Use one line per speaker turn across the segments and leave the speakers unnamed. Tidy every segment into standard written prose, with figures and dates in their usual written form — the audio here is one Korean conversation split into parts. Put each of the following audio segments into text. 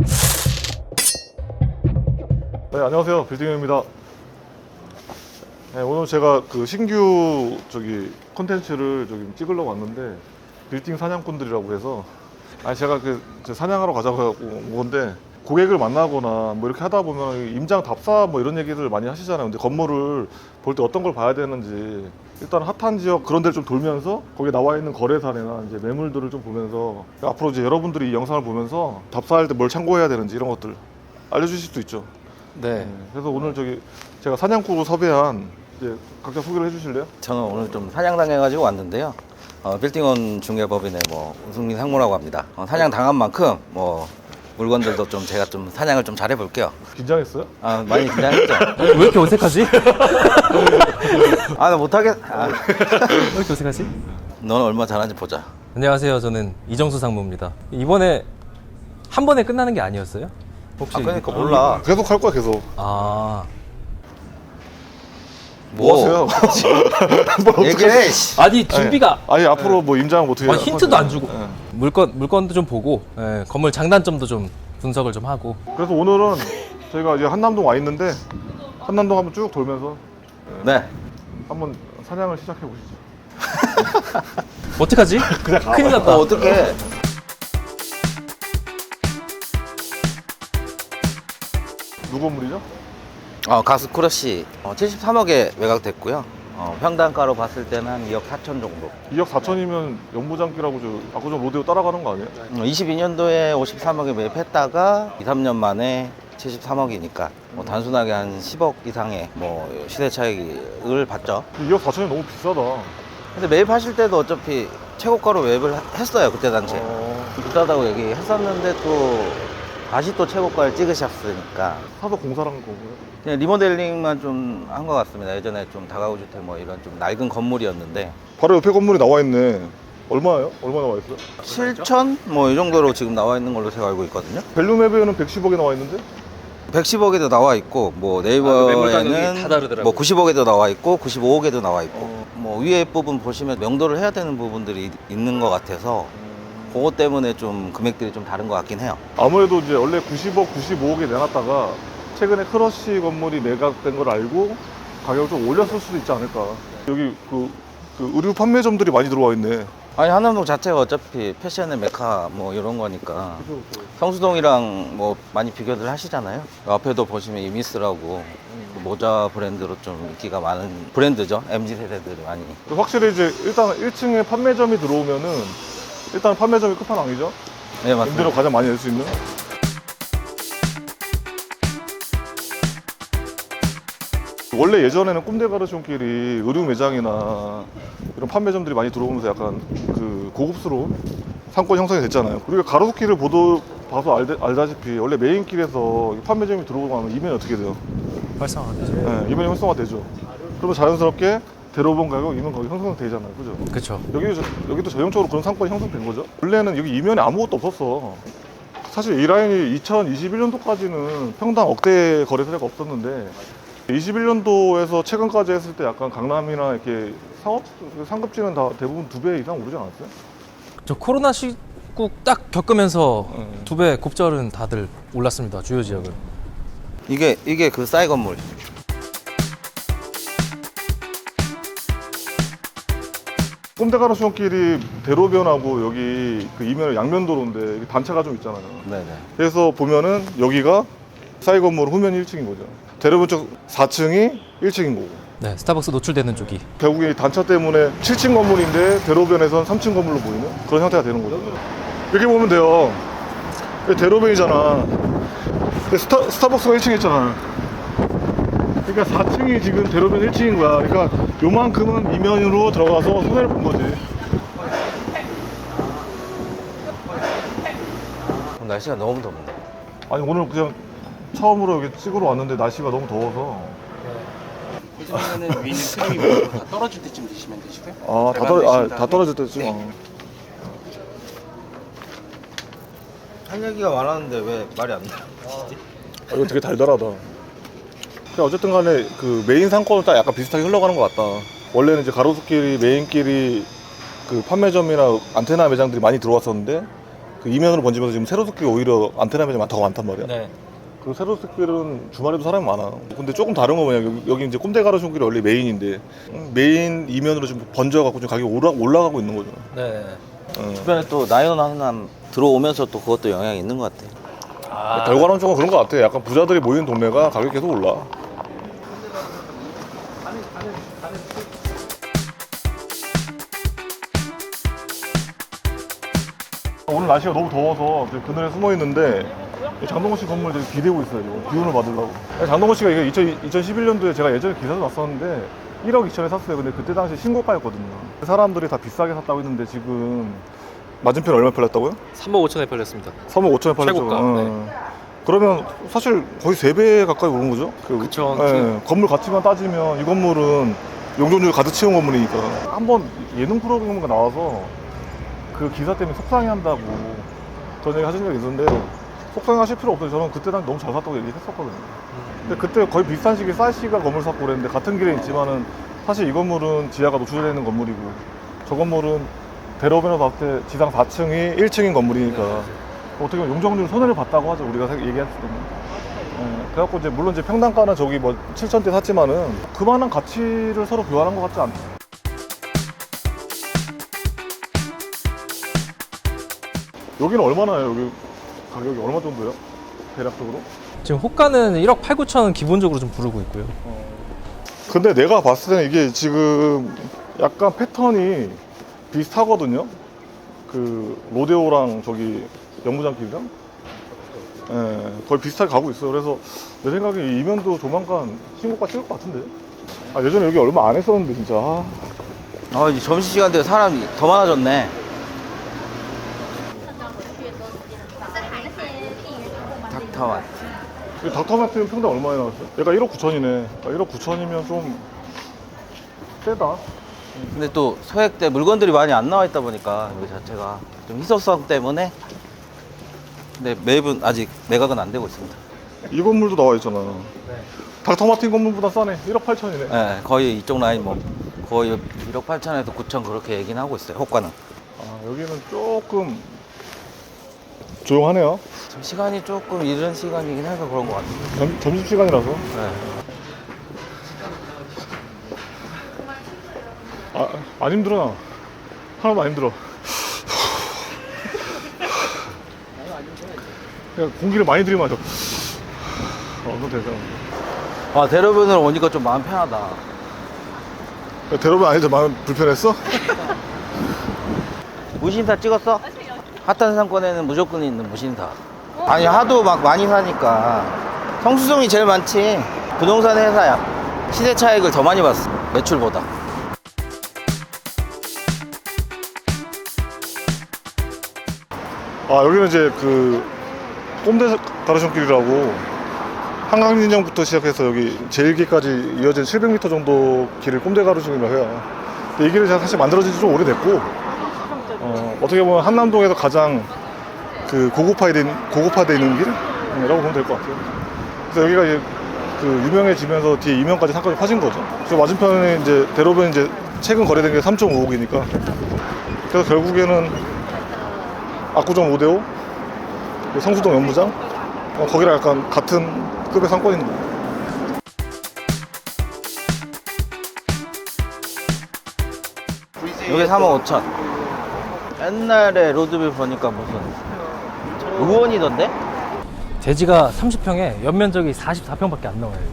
네, 안녕하세요. 빌딩입니다. 네, 오늘 제가 그 신규 콘텐츠를 찍으려고 왔는데, 빌딩 사냥꾼들이라고 해서, 제가 사냥하러 가자고 온 건데, 고객을 만나거나 뭐 이렇게 하다 보면 임장 답사 뭐 이런 얘기들 많이 하시잖아요. 근데 건물을 볼 때 어떤 걸 봐야 되는지, 일단 핫한 지역 그런 데를 좀 돌면서 거기에 나와 있는 거래사례나 이제 매물들을 좀 보면서, 앞으로 이제 여러분들이 이 영상을 보면서 답사할 때 뭘 참고해야 되는지 이런 것들 알려주실 수도 있죠.
네.
그래서 오늘 제가 사냥꾼으로 섭외한, 이제 각자 소개를 해주실래요?
저는 오늘 좀 사냥당해가지고 왔는데요. 빌딩원 중개법인의 우승민 상무라고 합니다. 사냥 당한 만큼 물건들도 좀 제가 좀 사냥을 좀 잘해볼게요.
긴장했어요?
많이 긴장했죠.
왜 이렇게 어색하지?
나 못하겠.
왜 이렇게 어색하지?
너는 얼마 잘하는지 보자.
안녕하세요. 저는 이정수 상무입니다. 이번에 한 번에 끝나는 게 아니었어요? 혹시?
그러니까 몰라.
계속 할 거야, 계속. 뭐 하세요?
얘기해.
아니 준비가
아니 앞으로 뭐 임장 어떻게
힌트도 안 주고
네.
물건도 좀 보고 건물 장단점도 좀 분석을 좀 하고.
그래서 오늘은 저희가 이제 한남동 와 있는데, 한남동 한번 쭉 돌면서
네.
한번 사냥을 시작해 보시죠.
어떡하지?
그냥 가봐.
큰일 났다.
어떻게?
누구 건물이죠?
가스 크러쉬 73억에 매각됐고요. 평당가로 봤을 때는 한 2억 4천 정도.
2억 4천이면 연무장기라고 압구정 로데오 따라가는 거 아니에요?
22년도에 53억에 매입했다가 2, 3년 만에 73억이니까 단순하게 한 10억 이상의 시세 차익을 봤죠.
2억 4천이 너무 비싸다.
근데 매입하실 때도 어차피 최고가로 매입을 했어요. 그때 당시에. 비싸다고 얘기했었는데 또 다시 또 최고가를 찍으셨으니까
사서 공사를 한 거고요.
그냥 리모델링만 좀 한 것 같습니다. 예전에 좀 다가구 주택 이런 좀 낡은 건물이었는데
바로 옆에 건물이 나와 있네. 얼마예요? 얼마 나와 있어요?
7천 이 정도로 지금 나와 있는 걸로 제가 알고 있거든요.
밸류맵에는 110억에 나와 있는데?
110억에도 나와 있고
매물 가격이 다
네이버에는
다르더라고요.
90억에도 나와 있고 95억에도 나와 있고 위에 부분 보시면 명도를 해야 되는 부분들이 있는 것 같아서 그것 때문에 좀 금액들이 좀 다른 것 같긴 해요.
아무래도 이제 원래 90억, 95억에 내놨다가 최근에 크러쉬 건물이 매각된 걸 알고 가격을 좀 올렸을 수도 있지 않을까. 여기 그 의류 판매점들이 많이 들어와 있네.
아니 한남동 자체가 어차피 패션의 메카 이런 거니까 성수동이랑 많이 비교들 하시잖아요. 앞에도 보시면 이미스라고 그 모자 브랜드로 좀 인기가 많은 브랜드죠. MZ 세대들이 많이.
확실히 이제 일단 1층에 판매점이 들어오면은 일단 판매점이 끝판왕이죠.
네, 맞습니다.
임대료 가장 많이 낼 수 있는. 원래 예전에는 꼼데가르숑길이 의류 매장이나 이런 판매점들이 많이 들어오면서 약간 그 고급스러운 상권 형성이 됐잖아요. 우리가 가로수길을 봐서 알다시피 원래 메인길에서 판매점이 들어오고 나면 이면이 어떻게 돼요?
활성화되죠.
네, 이면이 활성화되죠. 그러면 자연스럽게 대로변 가격, 이면 가격 형성되잖아요. 그죠?
그렇죠.
여기도 전형적으로 그런 상권이 형성된 거죠. 원래는 여기 이면에 아무것도 없었어. 사실 이 라인이 2021년도까지는 평당 억대 거래 사례가 없었는데 21년도에서 최근까지 했을 때 약간 강남이나 이렇게 상급지는 다 대부분 2배 이상 오르지 않았어요?
저 코로나 시국 딱 겪으면서
네.
2배 곱절은 다들 올랐습니다. 주요 지역은.
이게 그 싸이 건물.
꼼데가르숑길이 대로변하고 여기 그 이면에 양면도로인데 이게 단차가 좀 있잖아요.
네네.
그래서 보면은 여기가 싸이 건물 후면이 1층인 거죠. 대로변 쪽 4층이 1층인 거고.
네, 스타벅스 노출되는 쪽이.
결국에 이 단차 때문에 7층 건물인데 대로변에선 3층 건물로 보이는 그런 형태가 되는 거죠. 이렇게 보면 돼요. 여기 대로변이잖아. 근데 스타벅스가 1층에 있잖아. 그러니까 4층이 지금 대로변 1층인 거야. 그러니까 요만큼은 이면으로 들어가서 손해를 본 거지.
날씨가 너무 덥네.
아니 오늘 그냥 처음으로 여기 찍으러 왔는데 날씨가 너무 더워서.
요즘에는 위는 크림이 다 떨어질 때쯤 드시면 되시고요.
다 떨어질 때쯤.
네.
할 얘기가 많았는데 왜 말이 안 나요?
이거 되게 달달하다. 어쨌든 간에 그 메인 상권은 딱 약간 비슷하게 흘러가는 것 같다. 원래는 이제 가로수길이 메인길이 그 판매점이나 안테나 매장들이 많이 들어왔었는데 그 이면으로 번지면서 지금 세로스길 오히려 안테나 면이 더 많단 말이야.
네.
그 세로스길은 주말에도 사람이 많아. 근데 조금 다른 거 뭐냐, 여기 이제 꼼데 가로수길이 원래 메인인데 메인 이면으로 좀 번져갖고 좀 가격이 올라가고 있는 거죠.
네.
주변에 또 나이온 하남 들어오면서 또 그것도 영향이 있는 것 같아요.
결과론 조금 그런 것 같아. 약간 부자들이 모이는 동네가 가격이 계속 올라. 오늘 날씨가 너무 더워서 그늘에 숨어 있는데 장동건 씨 건물 되게 기대고 있어요. 지금 기운을 받으려고. 장동건 씨가 이게 2011년도에 제가 예전에 기사도 났었는데 1억 2천에 샀어요. 근데 그때 당시 신고가였거든요. 사람들이 다 비싸게 샀다고 했는데 지금 맞은편 얼마 팔렸다고요?
3억 5천에 팔렸습니다.
3억 5천에 팔렸죠.
최고가, 네.
그러면 사실 거의 3배 가까이 오른 거죠?
그쵸.
건물 가치만 따지면 이 건물은 용적률 가득 채운 건물이니까. 한번 예능 프로그램가 나와서 그 기사 때문에 속상해 한다고 그런 얘기 하신 적이 있었는데 속상해 하실 필요 없어요. 저는 그때 당시 너무 잘 샀다고 얘기했었거든요. 근데 그때 거의 비싼 시기에 쌀 씨가 건물 샀고 그랬는데 같은 길에 있지만은 사실 이 건물은 지하가 노출되어 있는 건물이고 저 건물은 대로변에서 봤을 때 지상 4층이 1층인 건물이니까 어떻게 보면 용적률 손해를 봤다고 하죠. 우리가 얘기했을 때는. 그래갖고 이제 물론 이제 평당가는 저기 뭐 7천대 샀지만은 그만한 가치를 서로 교환한 것 같지 않죠. 여기는 얼마나요? 여기 가격이 얼마 정도요? 대략적으로?
지금 호가는 1억 8, 9천은 기본적으로 좀 부르고 있고요.
근데 내가 봤을 때는 이게 지금 약간 패턴이 비슷하거든요. 그 로데오랑 저기 연무장길이랑 거의 비슷하게 가고 있어요. 그래서 내 생각에 이 이면도 조만간 신고가 찍을 것 같은데. 예전에 여기 얼마 안 했었는데 진짜.
이제 점심시간 되고 사람이 더 많아졌네. 닥터마트.
이 닥터마트는 평당 얼마에 나왔어요? 얘가 1억 9천이네. 1억 9천이면 좀 세다.
근데 또 소액 때 물건들이 많이 안 나와 있다 보니까 여기 자체가 좀 희소성 때문에 근데 매입은 아직 매각은 안 되고 있습니다.
이 건물도 나와 있잖아. 닥터마틴 건물보다 싸네. 1억 8천이네.
네, 거의 이쪽 라인 뭐 거의 1억 8천에서 9천 그렇게 얘기는 하고 있어요. 호가는.
여기는 조금 조용하네요.
지금 시간이 조금 이른 시간이긴 해서 그런 것 같아요.
점심시간이라서.
네.
안 힘들어 나. 하나도 안 힘들어. 그냥 공기를 많이 들이마셔. 그건 되잖아.
대로변으로 오니까 좀 마음 편하다.
대로변 아닌데 마음 불편했어?
무신사 찍었어? 핫한 상권에는 무조건 있는 무신사. 아니 하도 막 많이 사니까 성수동이 제일 많지. 부동산 회사야. 시세 차익을 더 많이 봤어. 매출보다.
여기는 이제 그 꼼대 가로수길이라고 한강진정부터 시작해서 여기 제일기까지 이어진 700m 정도 길을 꼼대 가로수길이라고 해요. 근데 이 길은 사실 만들어진 지 좀 오래됐고 어떻게 보면 한남동에서 가장 그 고급화되어 있는 길이라고 보면 될 것 같아요. 그래서 여기가 이제 그 유명해지면서 뒤에 이면까지 상권이 파진 거죠. 그래서 맞은편에 이제 대로변 이제 최근 거래된 게 3.5억이니까 그래서 결국에는 압구정 5대5 성수동 연무장 거기랑 약간 같은 급의 상권인 거예요.
이게 3억 5천. 옛날에 로드뷰 보니까 무슨 의원이던데?
대지가 30평에 연면적이 44평밖에 안 나와요.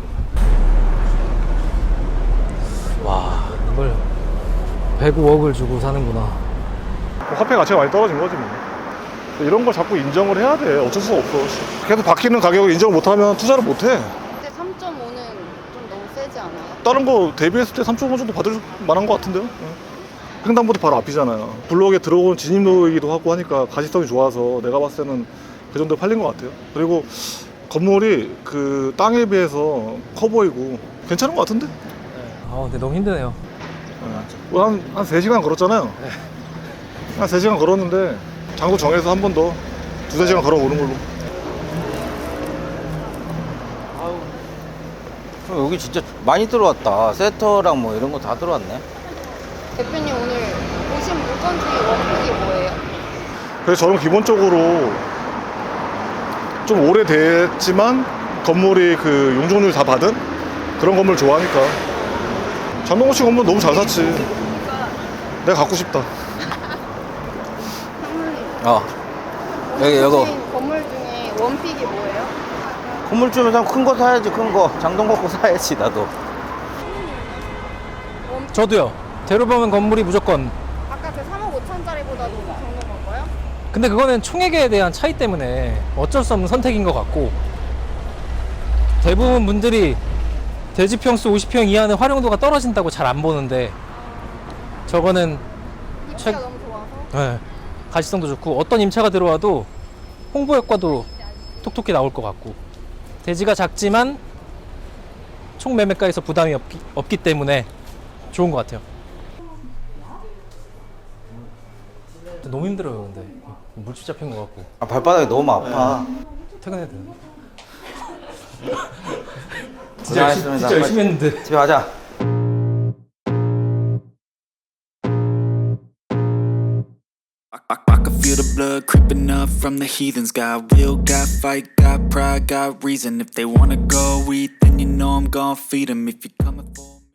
이거. 와, 이걸 105억을 주고 사는구나.
화폐 가치가 많이 떨어진 거지 뭐. 이런 걸 자꾸 인정을 해야 돼. 어쩔 수가 없어. 계속 바뀌는 가격을 인정을 못하면 투자를 못해.
근데 3.5는 좀 너무 세지 않아요?
다른 거 대비했을 때 3.5 정도 받을 만한 것 같은데요. 횡단보도 바로 앞이잖아요. 블록에 들어오는 진입로이기도 하고 하니까 가시성이 좋아서 내가 봤을 때는 그 정도 팔린 것 같아요. 그리고 건물이 그 땅에 비해서 커 보이고 괜찮은 것 같은데?
근데 너무 힘드네요.
한 3시간 걸었잖아요. 한 3시간 걸었는데 장소 정해서 한 번 더 2-3시간 걸어오는 걸로.
그럼 여기 진짜 많이 들어왔다. 세터랑 뭐 이런 거 다 들어왔네.
대표님 오늘 보신 물건 중에 원픽이 뭐예요?
그래서 저는 기본적으로 좀 오래됐지만 건물이 그 용적률 다 받은 그런 건물 좋아하니까. 장동건 씨 건물 너무 잘 샀지. 내가 갖고 싶다.
상무님.
여기
보신 건물 중에 원픽이 뭐예요?
건물 주면 큰 거 사야지. 큰 거 장동건 거 사야지 나도.
저도요. 대로보면 건물이 무조건.
아까 그 3억 5천짜리보다도 좋은 건가요?
근데 그거는 총액에 대한 차이 때문에 어쩔 수 없는 선택인 것 같고, 대부분 분들이 대지평수 50평 이하는 활용도가 떨어진다고 잘 안 보는데, 저거는
입지가
책-
너무 좋아서.
네, 가시성도 좋고 어떤 임차가 들어와도 홍보 효과도 톡톡히 나올 것 같고, 대지가 작지만 총 매매가에서 부담이 없기 때문에 좋은 것 같아요. 너무 힘들어요. 근데 물집 잡힌 것 같고
발바닥이 너무 아파.
퇴근해야 되나?
고생하셨습니다.
진짜 열심히 했는데.
집에 가자.
I can feel the blood creeping up from the heathens. Got will, got fight, got pride, got reason. If they wanna go eat, then you know I'm gon' feed 'em. If you're coming for